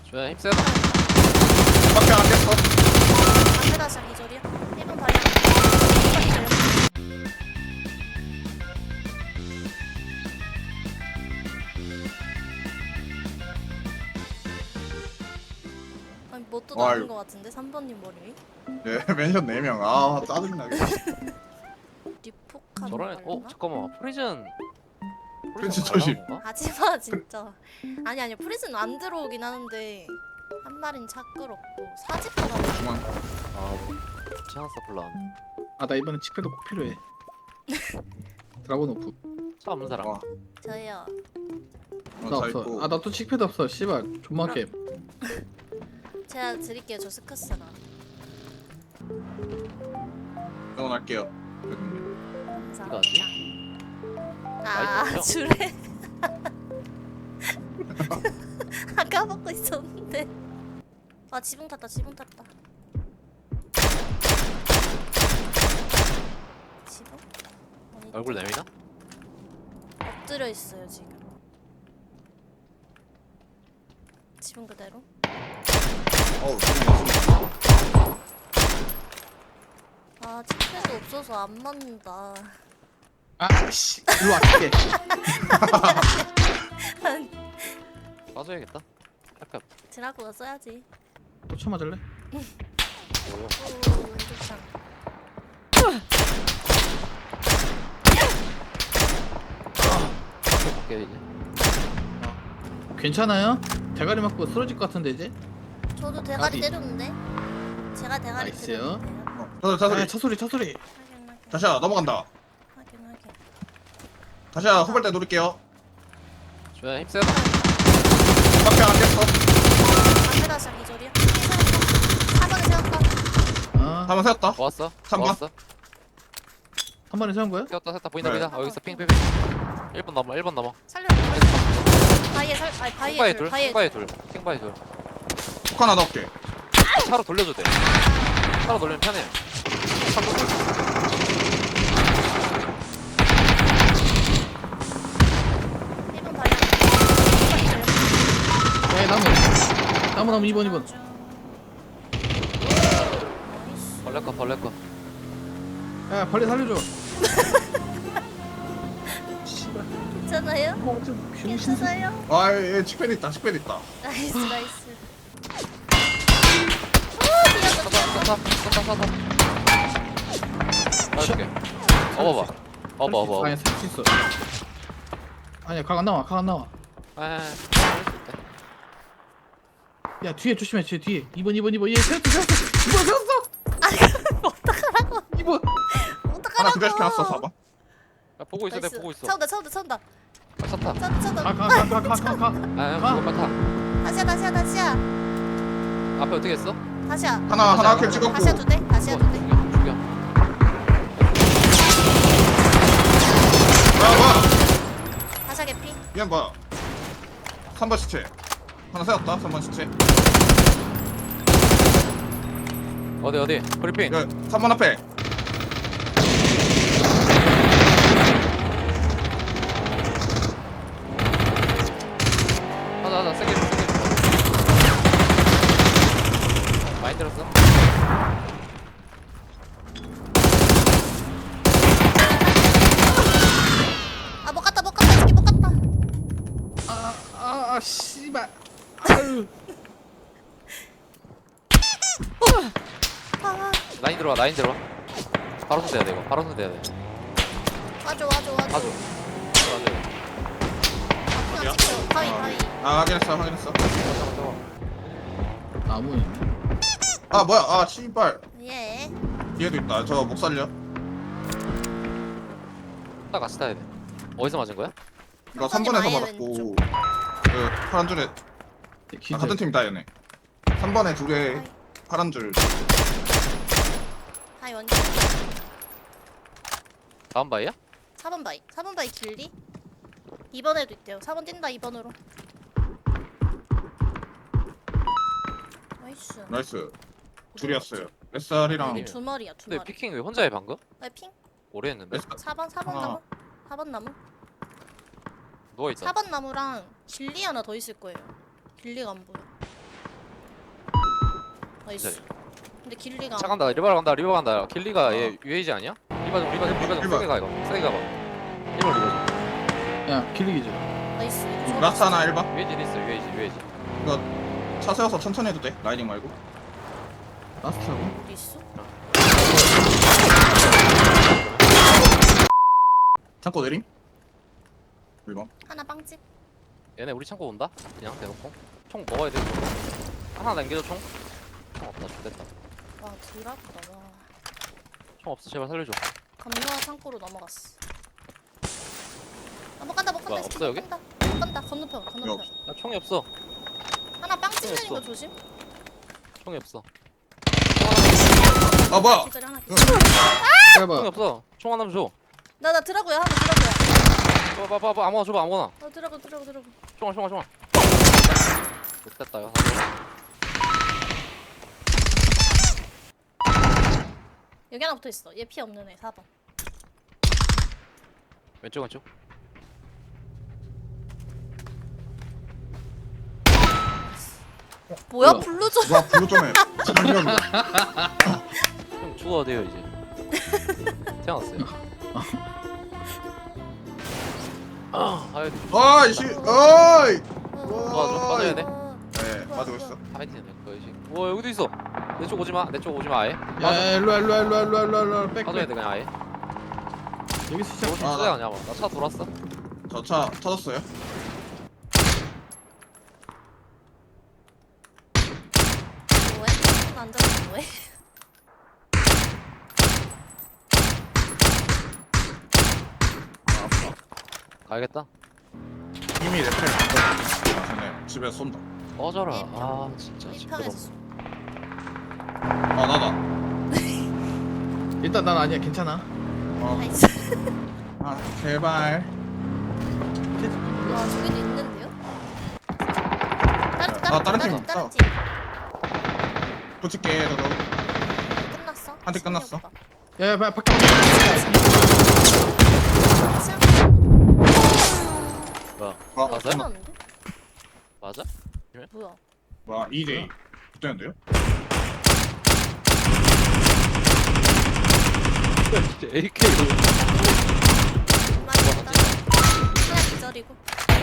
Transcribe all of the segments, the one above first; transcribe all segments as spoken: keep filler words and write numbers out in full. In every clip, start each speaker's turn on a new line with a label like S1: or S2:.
S1: 조야 힘세.
S2: 밖에 안 깼어.
S3: 앞에다 시작 기절이야. 일 번 발이야. 일 번 기절. 아니 뭣도
S2: 와,
S3: 나온
S2: 이거-
S3: 거 같은데 삼 번님 머리 위?
S2: 네, 멘션 네 명. 아, 짜증나게.
S3: 리포카는
S1: 저런 애. 어 잠깐만 프리즌.
S2: 프리즌
S1: 잘
S2: 조심.
S1: 나온 건가?
S3: 하지마 진짜. 아니 아니 프리즌 안 들어오긴 하는데 한 마린 차 끌었고 사집보다
S2: 그만.
S1: 아 치안 서플라.
S4: 아 나 이번엔 칙패드 꼭 필요해. 드라곤 오프.
S1: 차 없는 사람.
S2: 와,
S3: 저요.
S2: 어,
S4: 나
S2: 자
S4: 없어.
S2: 있고.
S4: 아 나 또 칙패드 없어. 씨발 존만 게임.
S3: 제가 드릴게요. 저 스카스가.
S2: 응원할게요.
S3: 감사합니다.
S1: 어디?
S3: 아
S1: 나이스.
S3: 줄에 아까 먹고 있었는데. 아 지붕 탔다. 지붕 탔다. 지붕? 어디
S1: 얼굴 내미나?
S3: 엎드려 있어요 지금. 지붕 그대로.
S2: 어우, 지금
S3: 아 칩패드 없어서 안 맞는다.
S4: 아씨 일로 와 갈게.
S1: 빠져야겠다. 약간
S3: 드라고가 써야지.
S4: 또 쳐맞을래?
S1: 뭐야?
S3: 오 왼쪽 창.
S1: 밖에 볼게 이제.
S4: 괜찮아요? 대가리 맞고 쓰러질 것 같은데 이제?
S3: 저도 대가리
S4: 어디?
S3: 때렸는데. 제가 대가리
S4: 나이스요.
S3: 때렸는데요.
S2: 어, 자, 자,
S4: 아
S2: 소리.
S4: 차 소리 차 소리.
S3: 확인 확인.
S2: 다시야, 넘어간다.
S3: 확인 확인.
S2: 다시야, 후발대 누를게요.
S1: 조야 힘세.
S2: 밖에 안 깼어.
S3: 앞에다 시작 기절이야. 사 번에 세웠다.
S4: 아
S2: 한번 세웠다.
S1: 좋았어.
S2: 삼 번?
S1: 좋았어.
S4: 한 번에 세운 거야?
S1: 세웠다 세웠다 보인다
S2: 네.
S1: 보인다. 어 여기서 핑핑핑. 일 번 넘어 일 번 넘어.
S3: 살려. 바위에 살 아니
S1: 킹바이
S3: 바위에
S1: 둘.
S3: 둘. 바위에
S1: 킹바이
S3: 둘.
S1: 둘. 킹바이 둘.
S2: 폭 하나 넣을게.
S1: 차로 돌려도 돼. 차로 돌리면 편해. 차로 돌려.
S3: 일 번 바위야. 일 번 기절.
S4: 야 나무. 나무 나무 이 번 이 번.
S3: 나이스.
S1: 벌레 거 벌레 거.
S4: 야 벌레 살려줘. 씨발.
S3: 괜찮아요?
S4: 어좀 병신.
S3: 괜찮아요?
S2: 아, 얘 칙패드 있다. 칙패드 있다.
S3: 나이스 나이스.
S1: 쏜다 쏜다 쏜다 쏜다. 나줄게. 어봐봐. 어봐 어봐.
S4: 아니야 살수 있어. 아니야 각 안 나와 각 안 나와.
S1: 아.
S4: 야 뒤에 조심해 뒤에 뒤에 이 번 이 번 이 번 얘 세웠어 세웠어 이 번 세웠어
S3: 아 어떡하라고?
S4: 이 번
S2: 하나
S3: 어떡하라고?
S2: 기절시켜놨어, 사 번.
S1: 야, 보고 있어 내
S3: 나이스.
S1: 보고 있어.
S3: 차온다 차온다 차온다.
S1: 아, 차 타.
S3: 차온다 차온다.
S4: 가가가가가가
S1: 아
S4: 가.
S1: 그것만 타.
S3: 다시야 다시야 다시야.
S1: 앞에 어떻게 했어?
S3: 다시야.
S2: 하나, 하나 킬 찍었고.
S3: 다시야 두 대. 다시야 두 대.
S1: 죽여 죽여.
S2: 야, 뭐야.
S3: 다시야 개피.
S2: 얘는 뭐야. 삼 번 시체. 하나 세웠다, 삼 번 시체.
S1: 어디 어디? 브리핑.
S2: 야, 삼 번 앞에.
S1: 하자 하자 세게 세게. 많이 들었어?
S3: 아 못 갔다 못 갔다 이 새끼 못 갔다.
S4: 아아 씨발 아유
S3: 아
S1: 라인 들어와 라인 들어와. 바로 손대야 돼 이거. 바로 손대야 돼.
S3: 와줘 와줘 와줘.
S1: 가줘.
S3: 그냥 찍혀. 바위 바위.
S2: 아, 확인했어, 확인했어.
S4: 나무에
S2: 아, 뭐야. 아, 씨발.
S3: 예.
S2: 뒤에도 있다. 저 목 살려.
S1: 딱 같이 타야 돼. 어디서 맞은 거야?
S2: 이거 삼 번에서
S3: 아예
S2: 맞았고.
S3: 왼쪽.
S2: 그, 파란 줄에. 아,
S4: 기절
S2: 같은 팀이다, 얘네. 삼 번에 둘에 파란 줄.
S3: 바위 원점.
S1: 다음 바이야?
S3: 사 번 바위. 사 번 바위 길리. 이 번에도 있대요. 사 번 뛴다 이 번으로. 나이스.
S2: 나이스. 둘이었어요. 뱃살이랑.
S1: 아니,
S3: 두 마리야 두
S1: 근데
S3: 마리.
S1: 피킹 왜 혼자 해 방금?
S3: 아 핑.
S1: 오래 했는데?
S2: 뱃살.
S3: 사 번 사 번
S2: 아.
S3: 나무. 사 번 나무.
S1: 누워있다.
S3: 사 번 나무랑 길리 하나 더 있을 거예요. 길리가 안 보여. 나이스. 근데 길리가
S1: 차 간다. 리버 간다. 리버 간다. 길리가
S2: 어.
S1: 얘 유에이지 아니야? 리버 좀 리버 좀 리버 좀
S2: 리버.
S1: 세게 가 이거. 세게 가봐. 리버 리버 좀.
S4: 야 길리기지.
S3: 나이스.
S2: 라스 하나 일 번.
S1: 유에이지 있어. 유에이지 유에이지.
S2: 이거 차 세워서 천천히 해도 돼. 라이딩 말고.
S4: 라스트라고?
S3: 어디 있어?
S2: 창고 내림. 일 번.
S3: 하나 빵집.
S1: 얘네 우리 창고 온다. 그냥 대놓고. 총 먹어야 돼. 하나 남겨줘 총. 총 없다. 좋겠다.
S3: 와 드랍다 와.
S1: 총 없어. 제발 살려줘.
S3: 감로와 창고로 넘어갔어. 아, 못 간다 못 간다.
S1: 뭐야,
S3: 이 새끼
S1: 없어, 여기?
S3: 못 간다. 못 간다. 건너편
S2: 여기
S3: 건너편.
S2: 없어.
S1: 나 총이 없어.
S3: 하나 빵집 내린
S1: 없어.
S3: 거 조심.
S1: 총이 없어.
S2: 아 뭐야?
S3: 기절이 하나.
S2: 응.
S1: 총이
S4: 해봐.
S1: 없어. 총 하나 줘.
S3: 나나 드라고야 하나 드라고야.
S1: 봐봐 봐봐 아무거나 줘봐 아무거나.
S3: 어 드라고 드라고 드라고.
S1: 총알 총알 총알. 못됐다 이거.
S3: 여기 하나 붙어 있어. 얘 피 없는 애 사 번.
S1: 왼쪽 왼쪽.
S3: 뭐야
S4: 뭐야?
S3: 블루존.
S2: 와 블루 좀해. 장기하고.
S1: 형 죽어야 돼요 이제. 태어났어요. 아, 아유,
S2: 아이씨. 어이.
S1: 도와줘, 빠져야 돼.
S2: 네 맞고 있어.
S1: 파이팅해, 거지. 와 여기도 있어. 내 쪽 오지 마, 내 쪽 오지 마 아예.
S4: 야 일로와 일로와 일로와 일로와 일로와 일로와 백
S1: 빠져야
S4: 백.
S1: 돼 그냥 아예.
S4: 여기서 시작.
S1: 너무
S2: 아,
S1: 수야 아니야, 나 차 돌았어.
S2: 저 차 터졌어요.
S3: 뭐해? 안 들어 뭐해?
S2: 아 아파.
S1: 가야겠다.
S2: 이미 레펠 아 근데 집에 쏜다.
S1: 꺼져라. 아 진짜
S3: 이
S1: 시끄러.
S3: 편에서
S2: 아 나다.
S4: 일단 난 아니야 괜찮아.
S2: 어.
S3: 나이스.
S2: 아 제발.
S3: 와 저기도 있는데요? 다른
S2: 아, 다른
S3: 다른
S2: 팀
S3: 다른
S2: 있어.
S3: 다른 팀.
S2: 붙일게 저도.
S3: 끝났어?
S2: 한팀 끝났어.
S3: 신기하다.
S4: 야야 봐 밖에.
S1: 뭐야?
S2: 아
S1: 맞아요?
S3: 끝났는데?
S1: 맞아?
S3: 뭐야?
S2: 와 이 대 붙였는데요?
S1: 진짜 에이케이.
S3: 많이 왔다. 하나 기절이고.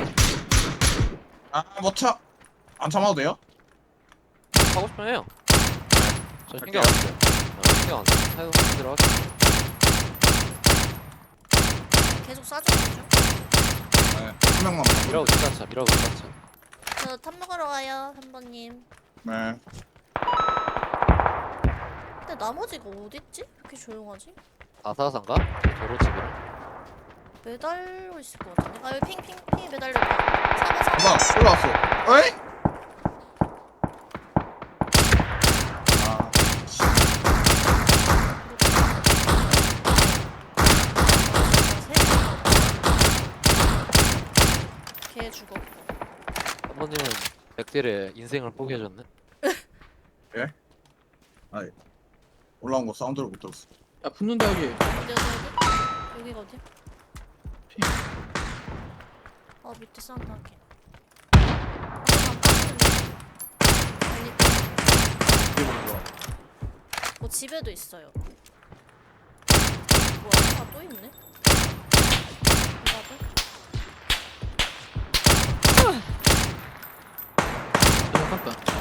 S2: 아못 차. 안 참아도 돼요?
S1: 하고 싶으면 해요. 저
S2: 할게요.
S1: 신경 안 써요. 어, 신경 안 써. 해도 들어갈게.
S3: 계속 쏴주는 중.
S2: 네한 명만 봐.
S1: 밀어고 진짜차, 밀어고 진짜차.
S3: 저탑 먹으러 와요, 한 번님.
S2: 네.
S3: 근데 나머지가 어딨지? 왜 이렇게 조용하지?
S1: 아사산가? 도로집이랑.
S3: 매달려 있을 것 같은데. 아 여기 핑핑 핑 매달려 있다. 사번 사번.
S2: 봐봐 올라왔어. 어이? 아 씨.
S3: 걔 죽었고.
S1: 한번님은 백딜의 인생을 포기해줬네.
S2: 아이 올라온 거 사운드를 못 들었어.
S4: 야 붙는다 여기.
S3: 어디 어디 어디? 여기가 어디야?
S4: 핑.
S3: 어 밑에 사운드 할게. 아, 안 빠지는데. 아니,
S4: 여기 보는 거.
S3: 뭐 집에도 있어요. 뭐야? 아, 또 있네? 나도?
S4: 야 깠다.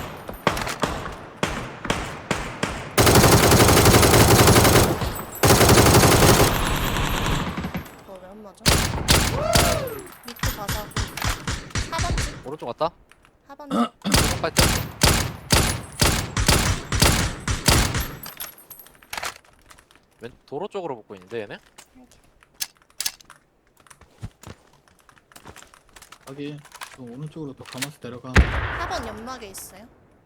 S3: 너 왜 안 맞아? 밑에 가서 사 번째?
S1: 오른쪽 갔다?
S3: 사 번째?
S1: 오른쪽 갈 때? 왼 도로 쪽으로 붙고 있는데 얘네?
S4: 여기 또 오른쪽으로 또 가면서 내려가.
S3: 사 번 연막에 있어요.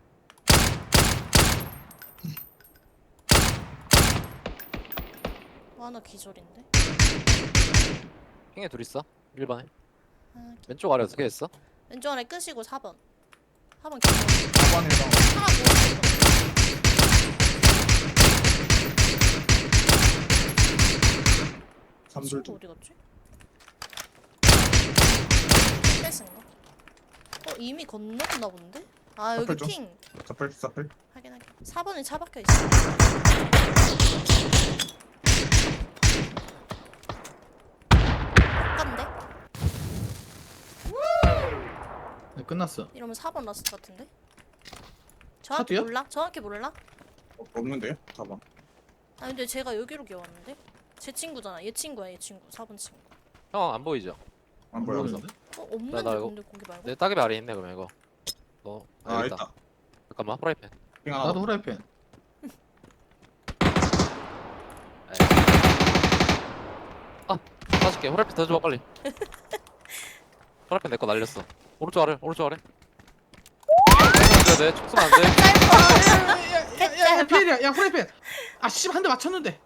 S3: 와, 나 기절인데?
S1: 핑에 둘 있어. 일 번에.
S3: 아,
S1: 왼쪽 아래 어떻게 했어?
S3: 왼쪽 아래 끄시고 사 번. 사 번 기절.
S2: 사 번이랑
S3: 하나 모았어.
S2: 삼들
S3: 친구
S2: 중.
S3: 어디 갔지? 뺏은가? 어 이미 건넜나 본데? 아 여기
S2: 사팔 좀.
S3: 핑
S2: 사플 사플.
S3: 확인 확인. 사 번에 차 박혀 있어. 깐데?
S4: 네, 끝났어.
S3: 이러면 사 번 라스트 같은데? 정확히
S4: 차도요?
S3: 몰라? 정확히 몰라?
S2: 어, 없는데요? 가봐.
S3: 아 근데 제가 여기로 기어왔는데? 제 친구잖아. 얘 친구야 얘 친구. 사 번 친구.
S1: 형 안 보이죠?
S2: 안 보여.
S4: 모르는데?
S3: 어 없는데
S1: 나 이거-
S3: 근데 거기 말고?
S1: 내 따개비 아래 있네 그러면 이거. 너
S2: 아,
S1: 여기
S2: 있다.
S1: 잠깐만 프라이팬.
S2: 핑 하나.
S4: 나도 후라이팬.
S1: 쏴줄게. 프라이팬 더 줘 빨리. 프라이팬 내 거 날렸어. 오른쪽 아래 오른쪽 아래. 안돼 내 촉수면 안 돼.
S4: 야야야 피해야. 야 후라이팬. 아 씨 한 대 맞췄는데.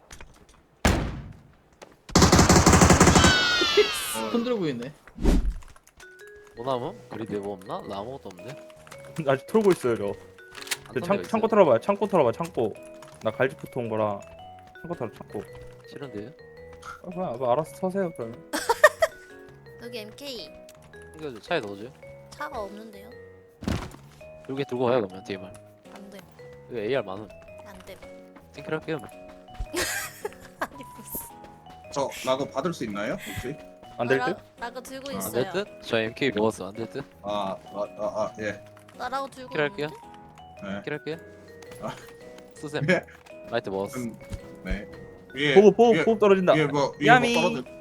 S4: 흔들어 보이네.
S1: 뭐나무? 그리드 뭐 없나? 나 아무것도 없는데.
S5: 아직 털고 있어요 저.
S1: 안
S5: 저
S1: 턴
S5: 창,
S1: 데가
S5: 창고
S1: 있어요.
S5: 털어봐요. 창고 털어봐. 창고. 나 갈지부터 온 거라. 창고 털어 창고.
S1: 싫은데.
S5: 아, 그냥 뭐 알아서 서세요 그러면.
S3: 여기 엠케이
S1: 챙겨줘. 차에 넣어줘.
S3: 차가 없는데요?
S1: 여기 들고 가요 그러면 디엠알.
S3: 안돼
S1: 여기 에이알 많음.
S3: 안돼.
S1: 팅킬 할게요. 뭐.
S3: 아니 무슨?
S2: 저 라고 받을 수 있나요? 혹시?
S5: 안 될
S3: 나
S5: 듯?
S3: 라- 라고 들고
S2: 아,
S1: 안
S3: 있어요.
S1: 될 듯? 저 엠케이 먹었어. 안 될 듯?
S2: 아, 아, 아, 아 예.
S3: 나 라고 들고
S1: 킬 할게요.
S3: 있는데?
S2: 네.
S1: 팅킬 할게요.
S2: 아.
S1: 쓰셈.
S2: 예.
S1: 라이트 먹었어.
S2: 음, 네. 위에
S5: 보고 보고
S2: 위에,
S5: 보고 떨어진다.
S2: 위에 뭐 위에
S5: 야미.
S2: 뭐 떨어져.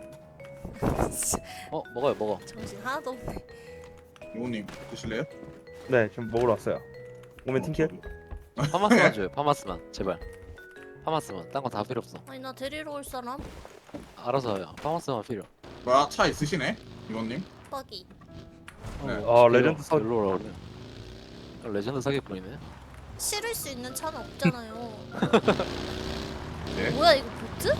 S1: 어 먹어요 먹어.
S3: 정신 하나도 없네.
S2: 요님 드실래요?
S5: 네 지금 먹으러 왔어요. 오면
S2: 어,
S5: 팅킬.
S2: 저도.
S1: 파마스만 줘요. 파마스만 제발. 파마스만. 딴 거 다 필요 없어.
S3: 아니 나 데리러 올 사람?
S1: 알아서 해요. 파마스만 필요.
S2: 뭐야 차 있으시네? 이원님?
S3: 뻑이.
S2: 네.
S5: 아, 레전드 사-
S1: 일로 오라 그래. 레전드 사기꾼이네.
S3: 실을 수 있는 차는 없잖아요.
S2: 네?
S3: 뭐야 이거 보트?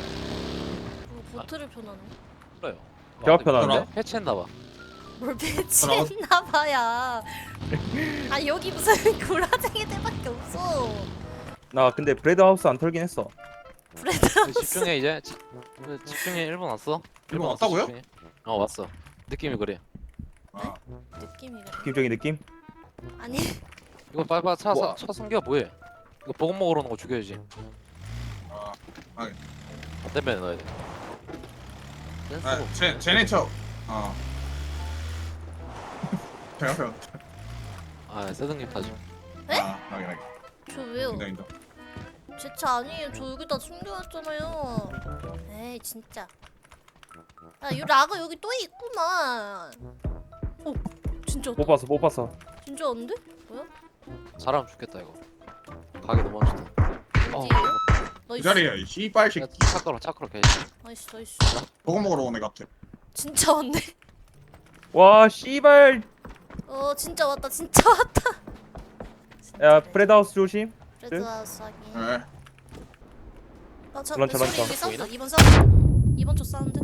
S3: 뭐 보트를 펴놨네.
S1: 그래요.
S5: 제가 편한데?
S1: 해체했나봐.
S3: 뭘 배치했나봐야. 아 여기 무슨 구라쟁이들밖에 없어.
S5: 나 근데 브레드 하우스 안 털긴 했어.
S3: 브레드
S1: 집중해 이제. 지- 집중해. 일본 왔어.
S2: 일본
S1: 왔어,
S2: 왔다고요?
S1: 집중해. 어 왔어. 느낌이 그래.
S2: 아,
S3: 느낌이 그래.
S5: 느낌적인 느낌?
S3: 아니
S1: 이거 빨리빨리 차,
S5: 우와.
S1: 차, 차 숨겨 뭐해? 이거 보급 먹으러 오는 거 죽여야지.
S2: 아,
S1: 안 되면 넣어야 돼. 댄스
S2: 아, 제 제네 차. 아. 제가 편.
S1: 아 세등님 타지.
S3: 네?
S2: 아, 나게 나게.
S3: 저 왜요?
S2: 인다 인다.
S3: 제 차 아니에요. 저 여기다 숨겨놨잖아요. 에이 진짜. 야이 라가 여기 또 있구만. 어 진짜
S5: 못 봤어 못 봤어.
S3: 진짜 안돼? 뭐야?
S1: 잘하면 죽겠다 이거. 가게 너무 맛있다. 어,
S3: 어디에요?
S2: 그
S3: 나이스
S2: 자리야 이 씨발
S1: 야,
S2: 새끼.
S1: 차 끌어 차 끌어 개.
S3: 나이스 나이스.
S2: 보고 먹으러 오네 같아.
S3: 진짜 왔네.
S5: 와 씨발.
S3: 어 진짜 왔다 진짜 왔다.
S5: 야 브레드 하우스 조심.
S3: 레드 하우스 하기.
S2: 네.
S3: 아, 저,
S5: 런처,
S3: 소리
S5: 런처.
S3: 여기 사운드.
S1: 보이나?
S3: 이번 사운드. 이번 쪽 사운드.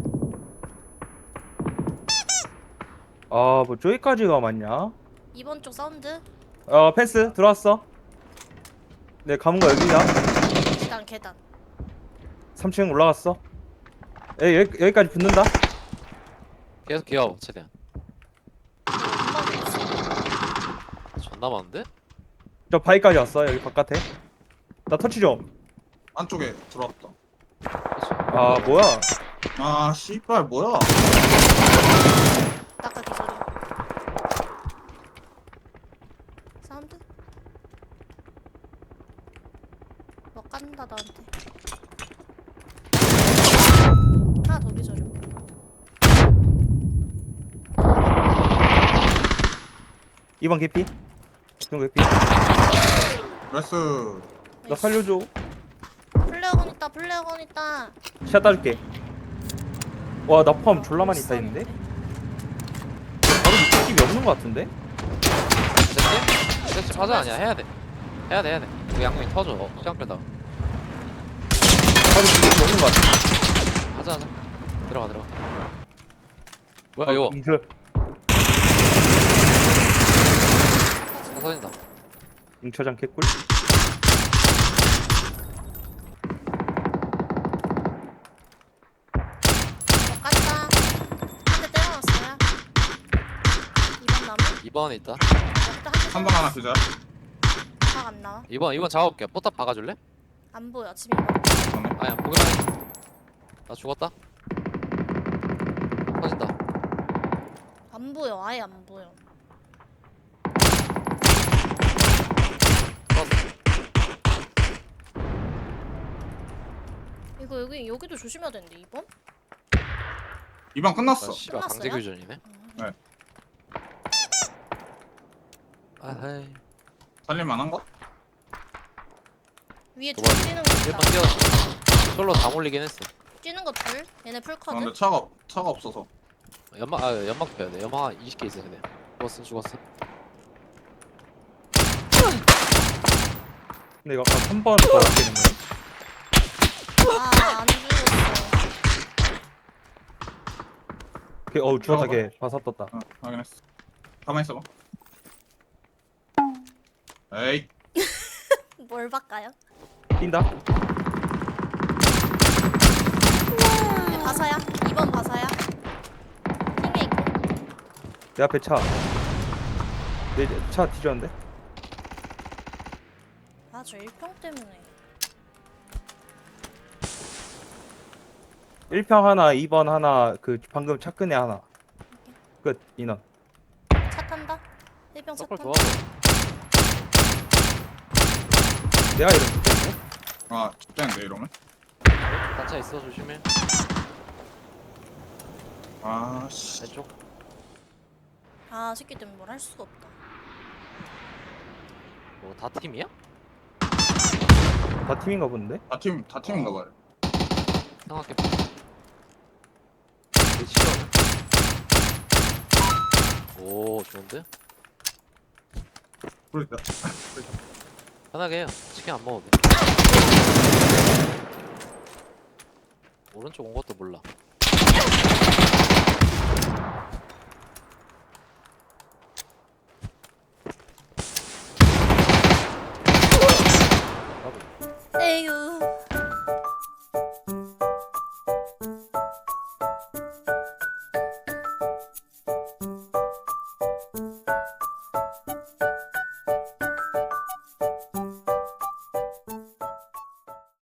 S5: 아 뭐 저기까지가 맞냐?
S3: 이번 쪽 사운드.
S5: 어 패스 들어왔어. 네 감은 거 여기다.
S3: 계단 계단.
S5: 삼 층 올라갔어. 에 여기, 여기까지 붙는다.
S1: 계속 기어 최대한.
S3: 엄마도 있어.
S1: 존나 많은데?
S5: 저 바위까지 왔어 여기 바깥에. 나 터치 좀.
S2: 안쪽에 들어왔다.
S5: 아 뭐야?
S2: 아, 씨발 뭐야?
S3: 아까 기소리. 사운드. 뭐 깐다 나한테. 하나 더 기소리.
S5: 이번 개피. 지금 개피.
S2: 레스.
S5: 나 살려줘.
S3: 플레어건 있다 플레어건 있다.
S5: 샷 따줄게. 와 나 포함 졸라 많이 있다 있는데. 바로 느낌이 없는 것 같은데?
S1: 됐지? 됐지 하자 아니야 해야 돼. 해야 돼 해야 돼. 우리 양궁이 터져. 어, 시간 끌다.
S5: 바로 느낌이 없는 것 같아.
S1: 하자 하자. 들어가 들어가. 뭐야 이거?
S5: 이거
S1: 차 터진다.
S5: 잉처장 개꿀.
S3: 뭐 깐다. 한 대 때려놨어요. 이번 나무.
S1: 이 번에 있다.
S3: 여기다 한 대.
S2: 한 번 하나 그자.
S3: 각안 나와.
S1: 이번 이번 잡아볼게. 포탑 박아줄래?
S3: 안 보여. 지금 이거.
S2: 그러네.
S1: 아니야 보기만 해. 나 죽었다. 터진다.
S3: 안 보여. 아예 안 보여. 이거 여기 여기도 조심해야 되는데 이번?
S2: 이번 끝났어.
S1: 아, 씨발
S3: 끝났어요?
S1: 강제 교전이네.
S2: 네.
S1: 아하이.
S2: 살릴만한 거?
S3: 위에 줄
S1: 도발.
S3: 뛰는 거
S1: 일번
S3: 있다.
S1: 뛰었어. 솔로 다 몰리긴 했어.
S3: 뛰는 거 둘. 얘네
S2: 아,
S3: 풀커드.
S2: 근데 차가 없- 차가 없어서.
S1: 연막 아 연막 빼야 돼. 연막 한 이십 개 있어 그냥. 죽었어 죽었어.
S5: 근데 이거 아까 한 번 더 뛰는 거야?
S3: 아안 죽었어.
S5: 걔, 어우 죽었다 걔. 바사 떴다.
S2: 어, 확인했어. 가만히 있어봐. 에이,
S3: 뭘 바꿔요?
S5: 뛴다.
S3: 네, 바사야. 이번 바사야. 팀에 있고.
S5: 내 앞에 차. 내 차 뒤졌는데?
S3: 아저 일평 때문에.
S5: 일 평 하나, 이 번 하나, 그 방금 차 끈에 하나. 끝 인원.
S3: 차 탄다. 일평 차
S1: 서클
S3: 탄다.
S1: 좋아.
S5: 내가 이런 거 때문에?
S2: 아, 죽겠는데 이러면?
S1: 단차 있어 조심해.
S2: 아, 씨.
S1: 왼쪽.
S3: 아 새끼 때문에 뭘 할 수가 없다.
S1: 뭐 다 팀이야?
S5: 다 팀인가 본데?
S2: 다 팀, 다 팀인가 봐요.
S1: 생각해. 내 치료. 오 좋은데?
S2: 그러니까.
S1: 편하게 해요. 치킨 안 먹어도 돼. 오른쪽 온 것도 몰라.
S3: 에휴.